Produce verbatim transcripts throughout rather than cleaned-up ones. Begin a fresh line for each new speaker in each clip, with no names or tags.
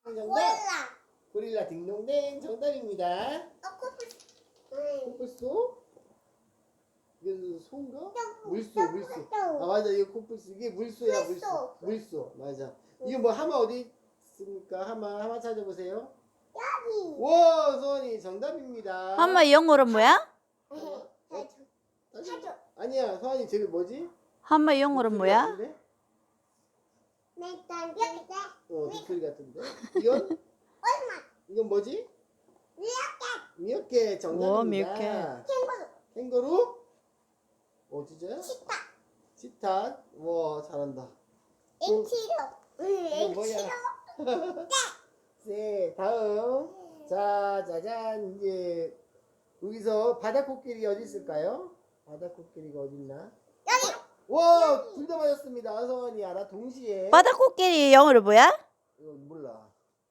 정답.
고릴라.
고릴라 딩동댕 정답입니다.
어, 코뿔소. 응.
코뿔소? 이게 소인가?
또,
물소,
또,
물소.
또.
아 맞아, 이거 코뿔소. 이게 물소야, 물소.
물소.
물소, 맞아. 이거 뭐 하마 어디 있습니까? 하마, 하마 찾아보세요.
여기.
와, 소원이 정답입니다.
하마 영어로 뭐야?
하마?
사줘.
어?
사줘.
아니야, 소원이 저기 뭐지?
하마 영어로
독수리
뭐야?
같은데?
일단 여기다.
어, 독수리 같은데. 이건?
얼마?
이건 뭐지?
미역캣.
미역캣 정답입니다.
오, 미역캣.
캥거루.
캥거루? 어, 진짜요?
치타.
치타? 와, 잘한다.
앵치로. 응,
이건 뭐야?
앵치로.
네, 다음. 자, 짜잔. 이제 여기서 바다코끼리 어디 있을까요? 바다코끼리가 어디 있나?
여기.
와, 둘 다 맞았습니다. 서원이 알아? 동시에.
바다코끼리 영어로 뭐야?
이거 몰라.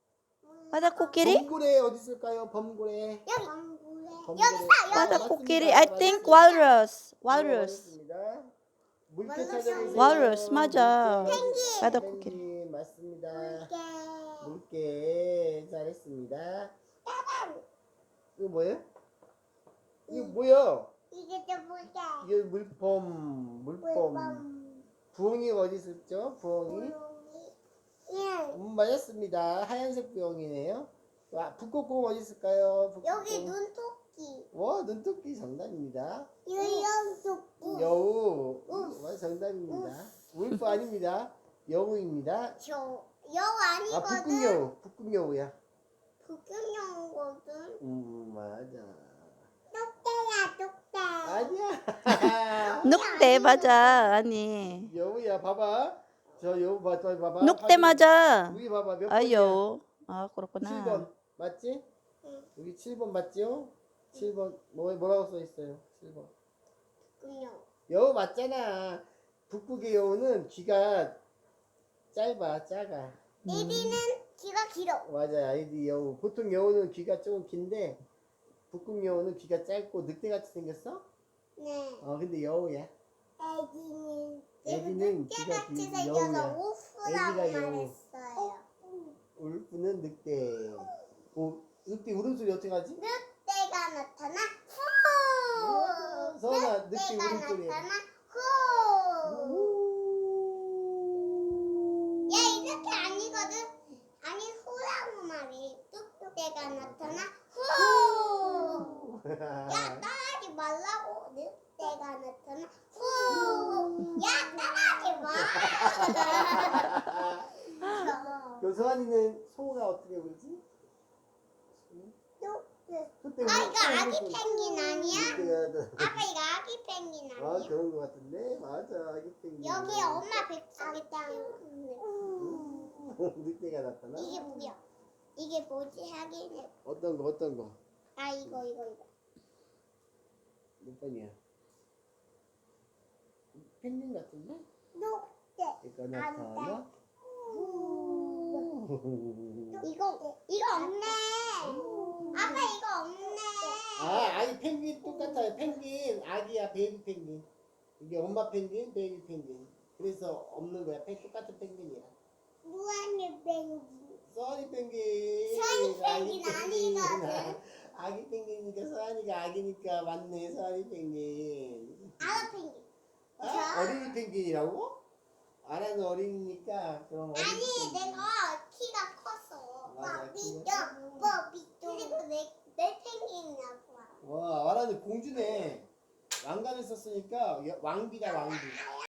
바다코끼리?
범고래 어디 있을까요? 범고래.
여기. 범고래.
범고래.
여기 있어. 여기.
바다코끼리.
맞습니다.
I think
맞습니다.
walrus.
어,
walrus.
맞습니다. 물개
walrus.
찾아보세요.
walrus, 맞아.
물개.
펭귄.
바다코끼리.
펭귄, 맞습니다.
물개.
물개 잘했습니다.
따단.
이거 뭐예요? 이거 뭐야?
이게 또 물개.
이게 물범, 물범.
물범.
부엉이가 어디 있었죠? 부엉이.
부엉이. 예.
음, 맞았습니다. 하얀색 부엉이네요. 와, 북극곰 어디 있을까요? 북극곰.
여기 눈토끼.
와, 눈토끼 정답입니다.
유령토끼.
여우.
우.
와, 정답입니다. 울프 아닙니다. 여우입니다.
저 여우
아,
아니거든.
북극여우. 북극여우야.
북극여우거든.
음, 맞아.
똑대야 똑대.
아니야.
늑대 맞아. 아니.
여우야, 봐봐. 저 여우 봐, 저 봐봐.
늑대 맞아.
여기 봐봐. 몇 번이야?
아유. 아,
칠
그렇구나.
번. 맞지?
응.
여기 칠 번 맞지요? 칠 번. 뭐, 뭐라고 써 있어요? 칠 번.
북극여우.
여우 맞잖아. 북극의 여우는 귀가 짧아, 작아.
이리는 귀가 길어.
맞아, 아이디 여우. 보통 여우는 귀가 조금 긴데, 북극 여우는 귀가 짧고 늑대같이 생겼어?
네.
어, 근데 여우야.
애기는
애기는 귀가
늑대같이
긴
생겨서
여우야.
우프라고
애기가 여우.
말했어요.
울프는 늑대. 오, 늑대 울음소리 어떻게 하지?
늑대가 나타나
어,
후.
서원아, 늑대
늑대가
울음소리.
나타나 후.
우.
야 이렇게 아니거든. 아니 후라고 말해. 늑대가 나타나 후. 야 따라하지 말라고. 늑대가 나타나 후. 야 따라하지 마.
그 서원이는 소가 어떻게 울지?
늑대.
그때
아 이거 아기 펭귄 아니야?
늑대가
아빠 이거 아기 펭귄
아
아니야?
그런 거 같은데 맞아 아기 펭귄.
여기 엄마 뱃속에 있다는
늑대가 나타나?
이게 뭐야? 이게 뭐지? 하긴
어떤 거 어떤 거?
아 이거 이거 이거
몇 번이야? 펭귄 같은데?
늑대
이거 나타나?
이거 이거 없네. 아빠 이거 없네.
아 아니 펭귄 똑같아요. 펭귄 아기야 베이비 펭귄. 이게 엄마 펭귄 베이비 펭귄. 그래서 없는 거야. 펭 똑같은 펭귄이야.
무한의 펭귄.
써니 펭귄.
써니
아기
펭귄 아니거든.
아기 펭귄이니까 써니가 아기니까 맞네. 써니 펭귄.
아가 펭귄.
아? 어린이 펭귄이라고? 아라는 어린이니까 그럼 어린이
아니
펭귄.
내가 키가 컸어.
맞아,
뽀삐
키가
뽀삐 그리고 내내 펭귄이라고.
와 아라는 공주네. 왕관을 썼으니까 여- 왕비다 왕비.